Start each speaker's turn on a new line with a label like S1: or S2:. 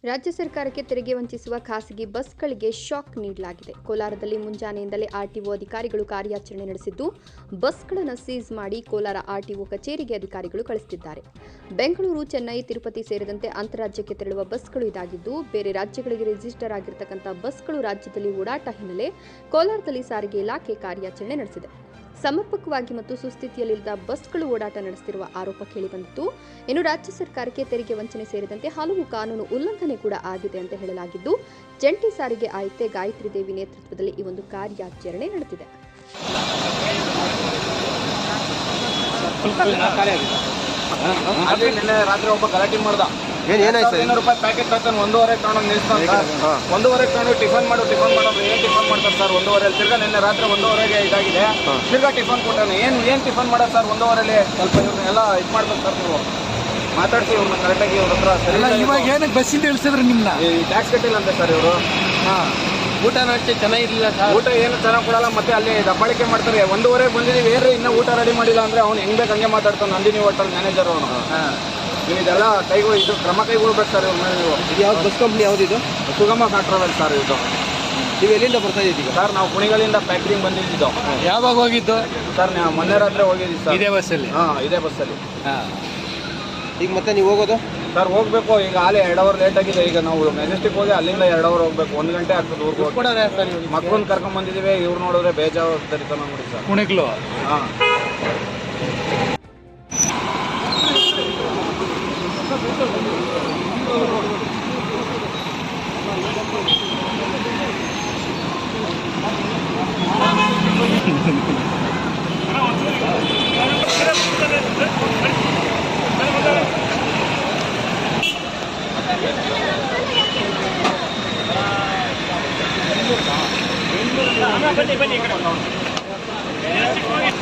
S1: ರಾಜ್ಯ ಸರ್ಕಾರಕ್ಕೆ ತೆರಿಗೆ ವಂಚಿಸುವ ಖಾಸಗಿ ಬಸ್ಗಳಿಗೆ ಶಾಕ್ ನೀಡಲಾಗಿದೆ. ಕೋಲಾರದಲ್ಲಿ ಮುಂಜಾನೆಯಿಂದಲೇ ಆರ್ಟಿಒ ಅಧಿಕಾರಿಗಳು ಕಾರ್ಯಾಚರಣೆ ನಡೆಸಿದ್ದು, ಬಸ್ಗಳನ್ನು ಸೀಸ್ ಮಾಡಿ ಕೋಲಾರ ಆರ್ಟಿಒ ಕಚೇರಿಗೆ ಅಧಿಕಾರಿಗಳು ಕಳಿಸುತ್ತಿದ್ದಾರೆ. ಬೆಂಗಳೂರು, ಚೆನ್ನೈ, ತಿರುಪತಿ ಸೇರಿದಂತೆ ಅಂತಾರಾಜ್ಯಕ್ಕೆ ತೆರಳುವ ಬಸ್ಗಳು ಇದಾಗಿದ್ದು, ಬೇರೆ ರಾಜ್ಯಗಳಿಗೆ ರಿಜಿಸ್ಟರ್ ಆಗಿರತಕ್ಕಂಥ ಬಸ್ಗಳು ರಾಜ್ಯದಲ್ಲಿ ಓಡಾಟ ಹಿನ್ನೆಲೆ ಕೋಲಾರದಲ್ಲಿ ಸಾರಿಗೆ ಇಲಾಖೆ ಕಾರ್ಯಾಚರಣೆ ನಡೆಸಿದೆ. ಸಮರ್ಪಕವಾಗಿ ಮತ್ತು ಸುಸ್ಥಿತಿಯಲ್ಲಿಲ್ಲದ ಬಸ್ಗಳು ಓಡಾಟ ನಡೆಸುತ್ತಿರುವ ಆರೋಪ ಕೇಳಿಬಂದಿತ್ತು. ಇನ್ನು ರಾಜ್ಯ ಸರ್ಕಾರಕ್ಕೆ ತೆರಿಗೆ ವಂಚನೆ ಸೇರಿದಂತೆ ಹಲವು ಕಾನೂನು ಉಲ್ಲಂಘನೆ ಕೂಡ ಆಗಿದೆ ಅಂತ ಹೇಳಲಾಗಿದ್ದು, ಜಂಟಿ ಸಾರಿಗೆ ಆಯುಕ್ತೆ ಗಾಯತ್ರಿ ದೇವಿ ನೇತೃತ್ವದಲ್ಲಿ ಈ ಒಂದು ಕಾರ್ಯಾಚರಣೆ ನಡೆದಿದೆ.
S2: ನಿನ್ನೆ ರಾತ್ರಿ ಒಬ್ಬ ಗಲಾಟೆ ಮಾಡ್ದ. 500 ರೂಪಾಯಿ ಪ್ಯಾಕೆಟ್ ತಗೊಂಡು 1:30 ತಗೊಂಡು ನಿಲ್ಸ್ತಾನೆ. 1:30 ತಗೊಂಡು ಟಿಫನ್ ಮಾಡೋ ಏನ್ ಟಿಫನ್ ಮಾಡ್ತಾರೆ ಸರ್ 1:30 ತಿರ್ಗಾ ನಿನ್ನೆ ರಾತ್ರಿ 1:30ಗೆ ಇದಾಗಿದೆ. ತಿರ್ಗಾ ಟಿಫನ್ ಕೊಟ್ಟಾನೆ. ಏನ್ ಟಿಫನ್ ಮಾಡೋದು ಸರ್ 1:30 ಸ್ವಲ್ಪ ಇವ್ರನ್ನೆಲ್ಲ ಇದು ಮಾಡ್ಬೇಕು ಸರ್. ನೀವು ಮಾತಾಡ್ಸಿ ಇವ್ರನ್ನ ಕರೆಕ್ಟಾಗಿ ಇವ್ರ ಹತ್ರ ಸರಿ.
S3: ಇವಾಗ ಏನಕ್ಕೆ ಬಸ್ಸಿಂದ ಇಳಿಸಿದ್ರು ನಿಮ್ನ?
S2: ಈ ಟ್ಯಾಕ್ಸ್ ಕಟ್ಟಿಲ್ಲ ಅಂತೆ ಸರ್ ಇವರು.
S3: ಊಟನೂ ಅಷ್ಟೇ ಚೆನ್ನಾಗಿರ್ಲಿಲ್ಲ ಸರ್.
S2: ಊಟ ಏನು ಚೆನ್ನಾಗಿ ಕೊಡಲ್ಲ. ಮತ್ತೆ ಅಲ್ಲಿ ದಬ್ಬಾಳಿಕೆ ಮಾಡ್ತಾರೆ. 1:30 ಬಂದಿದ್ದೀವಿ ಏನ್ರಿ ಇನ್ನೂ ಊಟ ರೆಡಿ ಮಾಡಿಲ್ಲ ಅಂದ್ರೆ ಅವ್ನು ಹೆಂಗ್ ಬೇಕು ಹಂಗೆ ಮಾತಾಡ್ತಾನೆ. ನಂದಿನಿ ಹೋಟೆಲ್ ಮ್ಯಾನೇಜರ್ ಅವನು. ನೀವು ಇದೆಲ್ಲ ಇದು ಕ್ರಮ ಕೈಗೊಳ್ಬೇಕು ಸರ್ ಇವ್ರ ಮೇಲೆ. ನೀವು
S3: ಇದು ಯಾವ್ದು ಬಸ್ ಕಂಪ್ನಿ ಯಾವ್ದಿದು?
S2: ಸುಗಮ ಟ್ರಾವೆಲ್ ಸರ್ ಇದು.
S3: ನೀವು ಎಲ್ಲಿಂದ ಬರ್ತಾ ಇದ್ದೀವಿ
S2: ಸರ್? ನಾವು ಕುಣಿಗಲಿಂದ ಫ್ಯಾಕ್ಟ್ರಿಗೆ ಬಂದಿದ್ದು.
S3: ಯಾವಾಗ ಹೋಗಿದ್ದು
S2: ಸರ್? ನಾವು ಮೊನ್ನೆ ರಾತ್ರಿ ಹೋಗಿದ್ದೀವಿ ಸರ್.
S3: ಇದೇ ಬಸ್ಸಲ್ಲಿ?
S2: ಇದೇ ಬಸ್ಸಲ್ಲಿ.
S3: ಈಗ ಮತ್ತೆ ನೀವು ಹೋಗೋದು?
S2: ಸರ್ ಹೋಗ್ಬೇಕು. ಈಗ ಹಾಲೆ 2 ಅವರ್ ಲೇಟ್ ಆಗಿದೆ. ಈಗ ನಾವು ಮೆಜೆಸ್ಟಿಕ್ ಹೋಗಿ ಅಲ್ಲಿಂದ 2 ಅವರ್ ಹೋಗ್ಬೇಕು. 1 ಗಂಟೆ ಆಗ್ತದೆ ಊರಿಗೆ. ಮಕ್ಕಳನ್ನ ಕರ್ಕೊಂಡ್ ಬಂದಿದ್ದೀವಿ. ಇವ್ರು ನೋಡಿದ್ರೆ ಬೇಜವಾಬ್ದಾರಿತನ ನೋಡಿ ಸರ್.
S3: ಕುಣಿಗ್ಲು?
S2: ಹಾಂ.
S4: ಬನ್ನಿ